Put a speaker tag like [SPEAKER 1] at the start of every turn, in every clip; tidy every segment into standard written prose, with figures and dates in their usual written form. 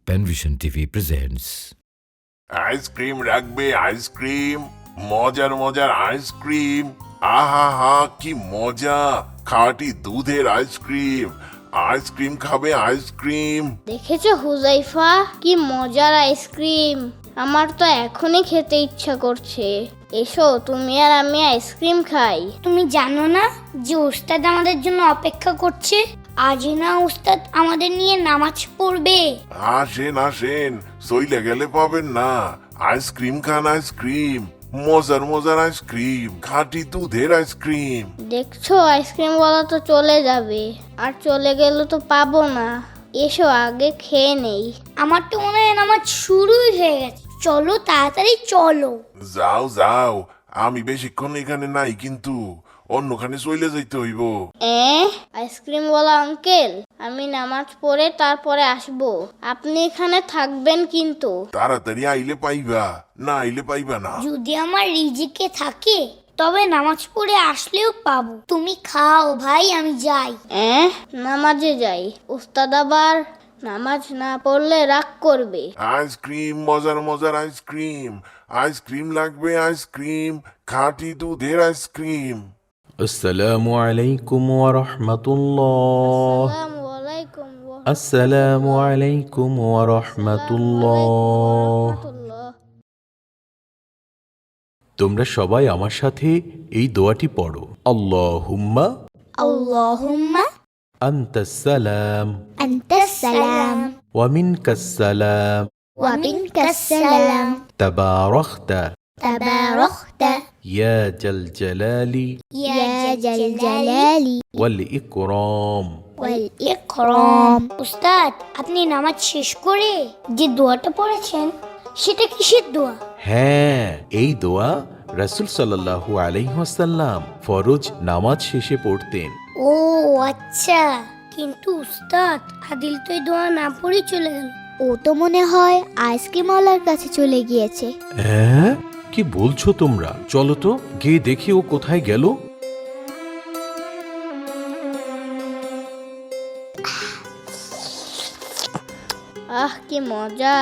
[SPEAKER 1] Penvision TV presents.
[SPEAKER 2] Ice cream রাখবে ice cream, মজার মজার আইসক্রিম। আহা হা কি মজা! খাঁটি দুধের আইসক্রিম। আইসক্রিম খাবে আইসক্রিম।
[SPEAKER 3] দেখেছো হুজাইফা, কি মজার আইসক্রিম! আমার তো এখনই খেতে ইচ্ছা করছে। এসো তুমি আর আমি আইসক্রিম খাই।
[SPEAKER 4] তুমি জানো না যে উস্তাদ আমাদের জন্য অপেক্ষা করছে? আজই না উস্তাদ আমাদের নিয়ে নামাজ পড়বে।
[SPEAKER 2] আসেন আসেন, সইলে গেলে পাবেন না। আইসক্রিম খান আইসক্রিম, মজার মজার আইসক্রিম, খাঁটি দুধের আইসক্রিম।
[SPEAKER 3] দেখছো আইসক্রিম ওয়ালা তো চলে যাবে, আর চলে গেলে তো পাবো না। এসো আগে খেয়ে নেই।
[SPEAKER 4] আমার তো মনে হয় নামাজ শুরুই হয়ে গেছে। চলো তাড়াতাড়ি চলো।
[SPEAKER 2] যাও যাও, আমি বেশিক্ষণ এখানে নাই, কিন্তু অন্যখানে চলে যাইতে হইব।
[SPEAKER 3] আইসক্রিম ওয়ালা আঙ্কেল, আমি নামাজ পড়ে তারপরে আসবো। আপনি এখানে থাকবেন কিন্তু।
[SPEAKER 2] তাড়াতাড়ি আইলে পাইবা, না আইলে পাইবা না।
[SPEAKER 4] যদি আমার রিজিকে থাকে তবে নামাজ পড়ে আসলেও পাবো। তুমি খাও ভাই, আমি যাই।
[SPEAKER 3] নামাজে যাই? উস্তাদ আবার নামাজ না পড়লে রাগ করবে।
[SPEAKER 2] আইসক্রিম, মজার মজার আইসক্রিম। আইসক্রিম লাগবে আইসক্রিম, খাঁটি দুধের আইসক্রিম।
[SPEAKER 5] আসসালামু আলাইকুম ওয়া রাহমাতুল্লাহ।
[SPEAKER 3] আসসালামু আলাইকুম
[SPEAKER 5] আসসালামু আলাইকুম ওয়া রাহমাতুল্লাহ। তোমরা সবাই আমার সাথে এই দোয়াটি পড়ো। আল্লাহুম্মা
[SPEAKER 4] আল্লাহুম্মা
[SPEAKER 5] আনতাস সালাম
[SPEAKER 4] আনতাস সালাম
[SPEAKER 5] ওয়া মিনকাস সালাম
[SPEAKER 4] ওয়া মিনকাস সালাম
[SPEAKER 5] তাবারাকতা
[SPEAKER 4] তাবারাকতা
[SPEAKER 5] ইয়া জাল জালালি
[SPEAKER 4] ইয়া জাল জালালি
[SPEAKER 5] ওয়াল ইকরাম।
[SPEAKER 4] ওয়াল ইকরাম। উস্তাদ, আপনি নামাজ শেষ করে যে দোয়াটা পড়েছেন সেটা কিসের দোয়া?
[SPEAKER 5] হ্যাঁ, এই দোয়া রাসূল সাল্লাল্লাহু আলাইহি ওয়াসাল্লাম ফরজ নামাজ শেষে পড়তেন।
[SPEAKER 4] ও আচ্ছা, কিন্তু উস্তাদ আদিল তো এই দোয়া না পড়ে চলে গেল।
[SPEAKER 6] ও তো মনে হয় আইসক্রিমওয়ালার কাছে চলে গিয়েছে।
[SPEAKER 5] হ্যাঁ, কি বলছো তোমরা? চলো তো গিয়ে দেখি ও কোথায় গেল।
[SPEAKER 3] কি মজা!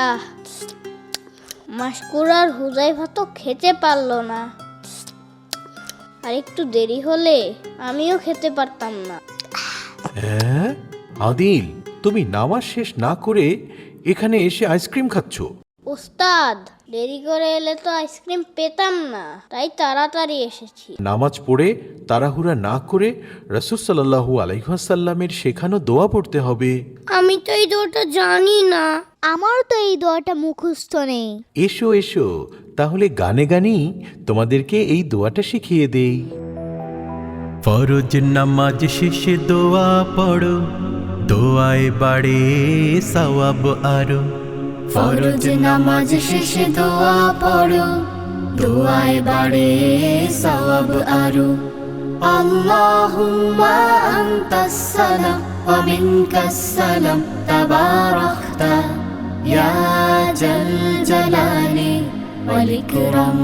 [SPEAKER 3] মাশকুর আর হুজাইফা তো খেতে পারলো না, আর একটু দেরি হলে আমিও খেতে পারতাম না।
[SPEAKER 5] হ্যাঁ, আদিল, তুমি নামাজ শেষ না করে এখানে এসে আইসক্রিম খাচ্ছো?
[SPEAKER 3] উস্তাদ, দেরি করে এলে তো আইসক্রিম পেতাম না, তাই তাড়াতাড়ি এসেছি।
[SPEAKER 5] নামাজ পড়ে তাড়াহুড়া না করে রাসূল সাল্লাল্লাহু আলাইহি ওয়াসাল্লামের শেখানো দোয়া পড়তে হবে।
[SPEAKER 4] আমি তো এই দোয়াটা জানি না।
[SPEAKER 6] আমারও তো এই দোয়াটা মুখস্থ নেই।
[SPEAKER 5] এসো এসো, তাহলে গানে গানেই তোমাদেরকে এই দোয়াটা শিখিয়ে দেই। ফরজ নামাজ শেষে দোয়া পড়ো, দোয়ায় বাড়ে সওয়াব আরো।
[SPEAKER 7] ফরজ নামাজ শেষে দোয়া পড়ো, দোয়ায় বাড়ে সওয়াব আরো। আল্লাহুম্মা আনতাস সালাম ওয়া মিনকাস সালাম তাবারাকতা ইয়া জাল জালালি ওয়াল ইকরাম।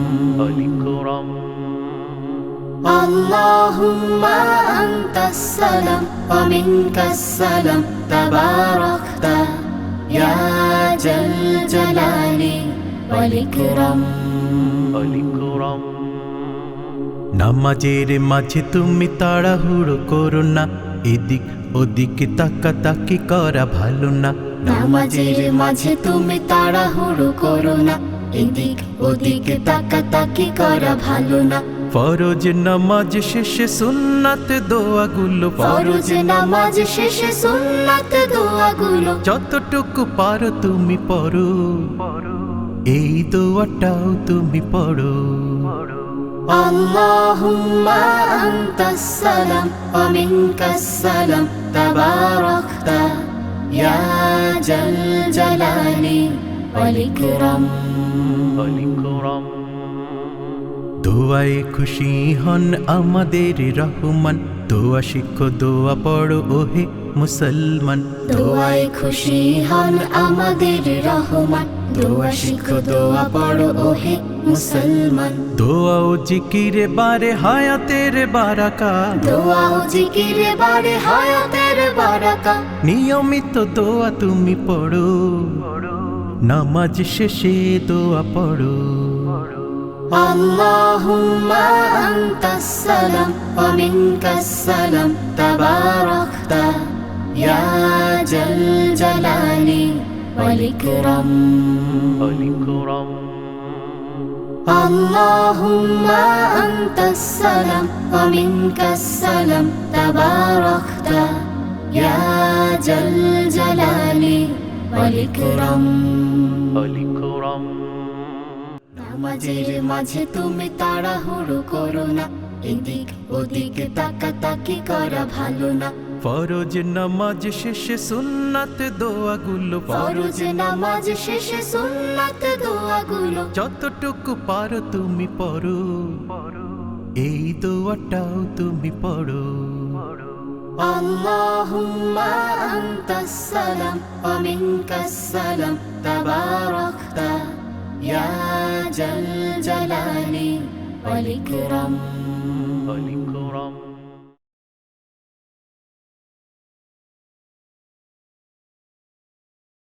[SPEAKER 7] আল্লাহুম্মা আনতাস সালাম ওয়া মিনকাস সালাম তাবারাকতা ইয়া জাল জালালি ওয়াল ইকরাম।
[SPEAKER 5] নামাজের মাঝে তুমি তাড়াহুড়ো করো না, এদিক ওদিকে তাকাতাকি করা ভালো না।
[SPEAKER 7] নামাজের মাঝে তুমি তাড়াহুড়ো করো না, এদিক ওদিকে তাকাতাকি করা ভালো না।
[SPEAKER 5] ফরজ নামাজ শেষে সুন্নাত দোয়াগুলো
[SPEAKER 7] ফরজ নামাজ শেষে সুন্নাত দোয়াগুলো
[SPEAKER 5] যতটুকু পারো তুমি পড়ো, এই দোয়াটাও তুমি পড়ো।
[SPEAKER 7] আল্লাহুম্মা আনতাস সালাম ওয়া মিনকাস সালাম তাবারাকতা ইয়া জাল জালালি ওয়াল ইকরাম।
[SPEAKER 5] দোয়ায় খুশি হন আমাদের রহমান, দোয়া শিখো দোয়া পড়ো ওহে মুসলমান।
[SPEAKER 7] দোয়ায় খুশি হন আমাদের রহমান, দোয়া শিখো দোয়া পড়ো ওহে মুসলমান।
[SPEAKER 5] দোয়া ও জিকিরে বারে হায়াতের বারাকা,
[SPEAKER 7] দোয়া ও জিকিরে বাড়ে হায়াতের বারাকা।
[SPEAKER 5] নিয়মিত দোয়া তুমি পড়ো, নামাজ শেষে দোয়া পড়ো।
[SPEAKER 7] আল্লাহুম্মা আনতাস সালাম ওয়া মিনকাস সালাম, তাবারাকতা ইয়া জাল জালালি ওয়াল ইকরাম। আল্লাহুম্মা আনতাস সালাম ওয়া মিনকাস সালাম, তাবারাকতা ইয়া জাল জালালি ওয়াল ইকরাম। নামাজের মাঝে তুমি তাড়াহুড়ো করো না, এদিক ওদিক তাকাতাকি করা ভালো না।
[SPEAKER 5] ফরজ নামাজ শেষে সুন্নাত দোয়াগুলো
[SPEAKER 7] ফরজ নামাজ শেষে সুন্নাত দোয়াগুলো
[SPEAKER 5] যতটুকু পারো তুমি পড়ো, এই দোয়াটাও তুমি পড়ো।
[SPEAKER 7] আল্লাহুম্মা আনতাস সালাম ওয়া মিনকাস সালাম, তাবারাকতা ইয়া জাল জালালি ওয়াল ইকরাম।